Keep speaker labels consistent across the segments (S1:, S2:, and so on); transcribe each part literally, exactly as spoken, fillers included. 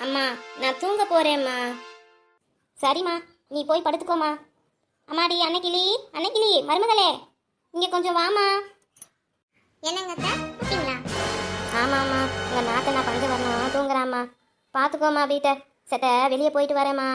S1: அம்மா நான் தூங்க போறேம்மா. சரிம்மா, நீ போய் படுத்துக்கோமா. அம்மாடி அன்னைக்கிளி, அன்னைக்கிளி மருமகளே, இங்கே கொஞ்சம் வாமா.
S2: என்னங்க அத்தை கூப்பிட்டீங்களா?
S1: ஆமாம்மா, உங்கள் நாத்தை நான் பஞ்சு வரணும் தூங்குறாம்மா. பார்த்துக்கோமா வீட்டை. சத்த வெளியே போயிட்டு வரேம்மா.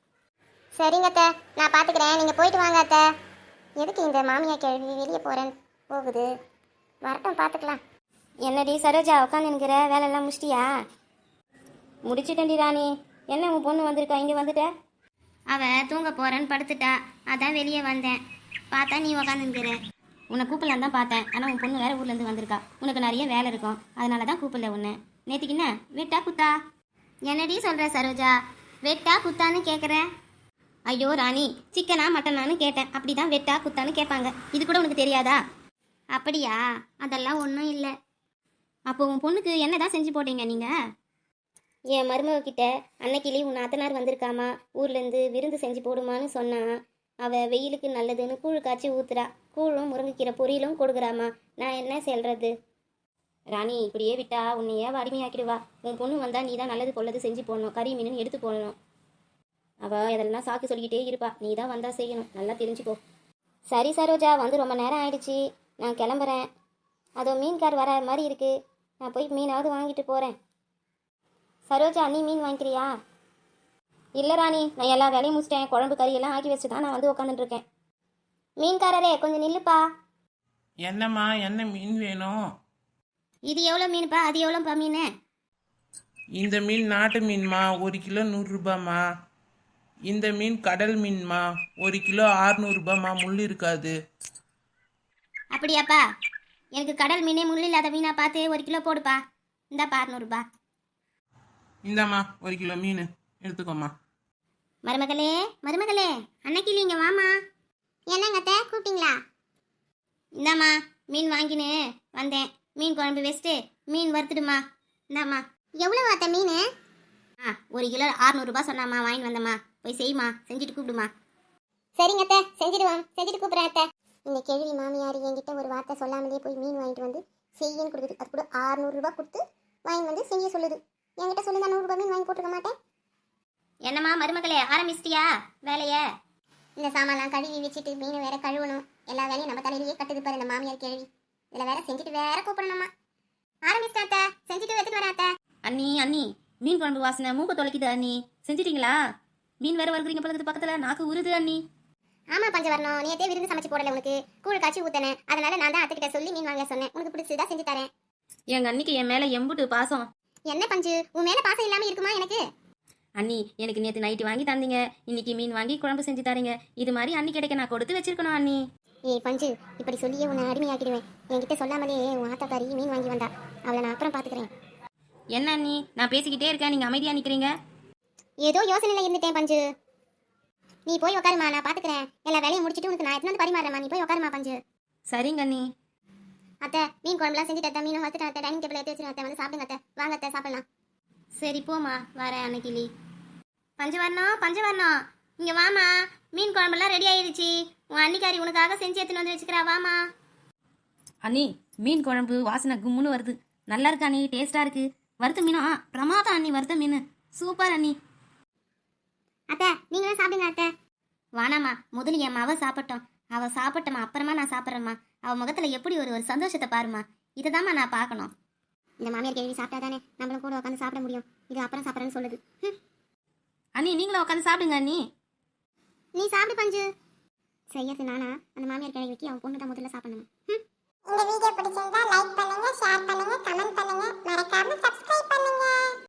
S2: சரிங்க அத்தை, நான் பார்த்துக்கிறேன், நீங்கள் போயிட்டு வாங்க அத்தை. எதுக்கு இந்த மாமியா கேள்வி வெளியே போகிறேன்னு போகுது? வரட்டும், பார்த்துக்கலாம்.
S1: என்னடி சரோஜா உட்காந்து நிற்கிற, வேலையெல்லாம் முடிச்சிட்டியா? முடிச்சுட்டேன்டி ராணி. என்ன உன் பொண்ணு வந்திருக்கா, இங்கே வந்துட்ட? அவள் தூங்க போகிறேன்னு படுத்துட்டா, அதான் வெளியே வந்தேன். பார்த்தா நீ உக்காந்துருக்கிற. உன்னை கூப்பிடலாம் தான் பார்த்தேன், ஆனால் உன் பொண்ணு வேறு ஊர்லேருந்து வந்திருக்கா. உனக்கு நிறைய வேலை இருக்கும், அதனால தான் கூப்பிடல உன்னை. நேற்றுக்கு என்ன வெட்டா குத்தா? என்னடி சொல்கிற சரோஜா? வெட்டா குத்தான்னு கேட்குறேன். ஐயோ ராணி, சிக்கனா மட்டனான்னு கேட்டேன். அப்படி தான் வெட்டா குத்தான்னு கேட்பாங்க. இது கூட உனக்கு தெரியாதா? அப்படியா? அதெல்லாம் ஒன்றும் இல்லை. அப்போ உன் பொண்ணுக்கு என்ன தான் செஞ்சு போட்டீங்க நீங்கள்? என் மருமகிட்ட அன்னைக்கிளி உன் நாத்தனார் வந்திருக்காமா, ஊர்லேருந்து விருந்து செஞ்சு போடுமான்னு சொன்னான். அவள் வெயிலுக்கு நல்லதுன்னு கூழ் காய்ச்சி ஊத்துறா. கூழும் முருங்கைக்கீரை பொரியலும் கொடுக்குறாமா. நான் என்ன சொல்கிறது? ராணி, இப்படியே விட்டா உன்னையே வறுமையாக்கிடுவா. உன் பொண்ணு வந்தால் நீ தான் நல்லது கொள்ளது செஞ்சு போடணும், கறி மீன் எடுத்து போடணும். அவள் இதெல்லாம் சாக்கு சொல்லிக்கிட்டே இருப்பா. நீ தான் வந்தால் செய்யணும், நல்லா தெரிஞ்சுக்கோ. சரி சரோஜா, வந்து ரொம்ப நேரம் ஆயிடுச்சு, நான் கிளம்புறேன். அதோ மீன்கார் வர மாதிரி இருக்குது, நான் போய் மீனாவது வாங்கிட்டு போகிறேன். சரோஜா, நீ மீன் வாங்கிக்கிறியா? இல்லை ராணி, நான் எல்லா வேலையும் முடிச்சிட்டேன். குழம்பு கறியெல்லாம் ஆக்கி வச்சு தான் நான் வந்து உட்காந்துட்டுருக்கேன். மீன்காரரே கொஞ்சம் நில்லுப்பா.
S3: என்னம்மா, என்ன மீன் வேணும்?
S1: இது எவ்வளோ மீனுப்பா, அது எவ்வளோப்பா மீன்?
S3: இந்த மீன் நாட்டு மீன்மா, ஒரு கிலோ நூறுரூபாம்மா. இந்த மீன் கடல் மீன்மா, ஒரு கிலோ ஆறுநூறுபாம்மா, முள் இருக்காது.
S1: அப்படியாப்பா? எனக்கு கடல் மீனே முள் இல்லாத மீனா பார்த்து ஒரு கிலோ போடுப்பா. இந்தாப்பா அறுநூறுபா.
S3: இந்தாம்மா ஒரு கிலோ மீன் எடுத்துக்கோம்மா.
S1: மருமகளே, மருமகளே, அன்னைக்கு இங்கே வாமா.
S2: என்னங்க அத்தை கூப்பிட்டீங்களா?
S1: இந்தாம்மா மீன் வாங்கினு வந்தேன். மீன் குழம்பு வச்சுட்டு மீன் வறுத்துடுமா. இந்தாம்மா.
S2: எவ்வளோ அத்தை மீன்?
S1: ஆ, ஒரு கிலோ ஆறுநூறுபா சொன்னாம்மா, வாங்கிட்டு வந்தம்மா. போய் செய்யுமா, செஞ்சுட்டு கூப்பிடுமா.
S2: சரிங்க அத்தை, செஞ்சுடுவோம், செஞ்சுட்டு கூப்பிட்றேன் அத்தை. இந்த கேள்வி மாமியார் என்கிட்ட ஒரு வார்த்தை சொல்லாமலே போய் மீன் வாங்கிட்டு வந்து செய்யன்னு கொடுக்குது. அது கூட ஆறுநூறுரூபா கொடுத்து வாங்கி வந்து செய்ய சொல்லுது. என்கிட்ட சொல்லுங்க, நூறுரூபா மீன் வாங்கி போட்டுக்க மாட்டேன்.
S1: என்னம்மா மருமகளே, ஆரம்பிச்சிட்டியா வேலைய?
S2: இந்த சாமான்லாம் கழுவி வச்சுட்டு மீன் வேற கழுவணும். எல்லா வேலையும் நம்ம தலையிலேயே கட்டுது பாரு இந்த மாமியார் கேள்வி. இதில் வேற செஞ்சுட்டு வேற கூப்பிடணுமா. ஆரம்பிச்சிட்டேன் அத்தை, செஞ்சுட்டு எடுத்துட்டு வரேன் அத்தை.
S1: அண்ணி அண்ணி, மீன் குழம்பு வாசனை மூக்க தொலைக்குது அண்ணி. செஞ்சிட்டீங்களா? மீன் வேற வறுக்கிறீங்க பக்கத்து பக்கத்தில், நாக்கு உருது அண்ணி.
S2: ஆமா பஞ்சவர்ணம், நேற்றே விருந்து சமைச்சு போடல உனக்கு, கூழ் காய்ச்சி ஊத்தனேன். அதனால நான் தான் அத்தைக்கிட்ட சொல்லி மீன் வாங்க சொன்னேன். உனக்கு பிடிச்சதா செஞ்சு தரேன்.
S1: எங்க அன்னிக்கு என் மேல எம்புட்டு பாசம்.
S2: என்ன பஞ்சு, உன் மேல பாசம் இல்லாம இருக்குமா எனக்கு?
S1: அண்ணி, எனக்கு நேற்று நைட்டு வாங்கி தந்தீங்க, இன்னைக்கு மீன் வாங்கி குழம்பு செஞ்சு தரீங்க. இது மாதிரி அண்ணி கிடைக்க நான் கொடுத்து வச்சிருக்கணும் அண்ணி.
S2: ஏய் பஞ்சு, இப்படி சொல்லியே உன்னை அடிமையாக்கிடுவேன். என்கிட்ட சொல்லாமலே உன் ஆத்தாக்காரி மீன் வாங்கி வந்தா. அவளை நான் அப்புறம் பாத்துக்கிறேன்.
S1: என்ன அண்ணி, நான் பேசிக்கிட்டே இருக்கேன், நீங்க அமைதியா நிக்கிறீங்க.
S2: ஏதோ யோசனையில இருந்துட்டேன் பஞ்சு. நீ போய் உட்காருமா, நான் பாத்துக்கிறேன். எல்லா வேலையும் முடிச்சிட்டு உனக்கு நான் எடுத்து வந்து பரிமாறேம்மா. நீ போய் உட்காருமா பஞ்சு.
S1: சரிங்க அண்ணி.
S2: அத்தை, மீன் குழம்புலாம் செஞ்சுட்டு அத்தை, மீன் வச்சுட்டு அத்தை, டைனிங் டேபிள் எடுத்து வச்சுருக்கேன் அத்தை, வந்து சாப்பிடுங்க அத்தை. வாங்க அத்தை, சாப்பிடலாம்.
S1: சரி போமா, வரேன் அன்னைக்கிளி. பஞ்சவர்ணம், பஞ்சவர்ணம், இங்க வாமா. மீன் குழம்பெல்லாம் ரெடி ஆயிடுச்சு. உன் அன்னிக்காரி உனக்காக செஞ்சு எடுத்துன்னு வந்து வச்சுக்கிறா, வாமா.
S4: அண்ணி, மீன் குழம்பு வாசனை கும்முன்னு வருது. நல்லா இருக்கு அண்ணி, டேஸ்டா இருக்கு. வறுத்த மீனா பிரமாதம் அண்ணி, வறுத்த மீன் சூப்பர் அண்ணி.
S2: அத்தை, நீங்களும் சாப்பிடுங்க அத்தை.
S1: வானாமா, முதல்ல என் மாவ சாப்பிட்டோம். அவ சாப்பிட்டமா, அப்புறமா நான் சாப்பிட்றேம்மா. அவ முகத்துல எப்படி ஒரு ஒரு சந்தோஷத்தை பாருமா. இதைதாம்மா நான் பார்க்கணும்.
S2: இந்த மாமியார் கேள்வி சாப்பிட்டா தானே நம்மளும் கூட உட்காந்து சாப்பிட முடியும். இது அப்புறம் சாப்பிட்றேன்னு சொல்லுது.
S4: அண்ணி, நீங்களும் உட்காந்து சாப்பிடுங்க அண்ணி.
S2: நீ சாப்பிடு பஞ்சு. செய்யறது நானா? அந்த மாமியார் கேள்விக்கு அவன் பொண்ணு தான் முதல்ல சாப்பிடணும். இந்த வீடியோ பிடிச்சிருந்தா லைக்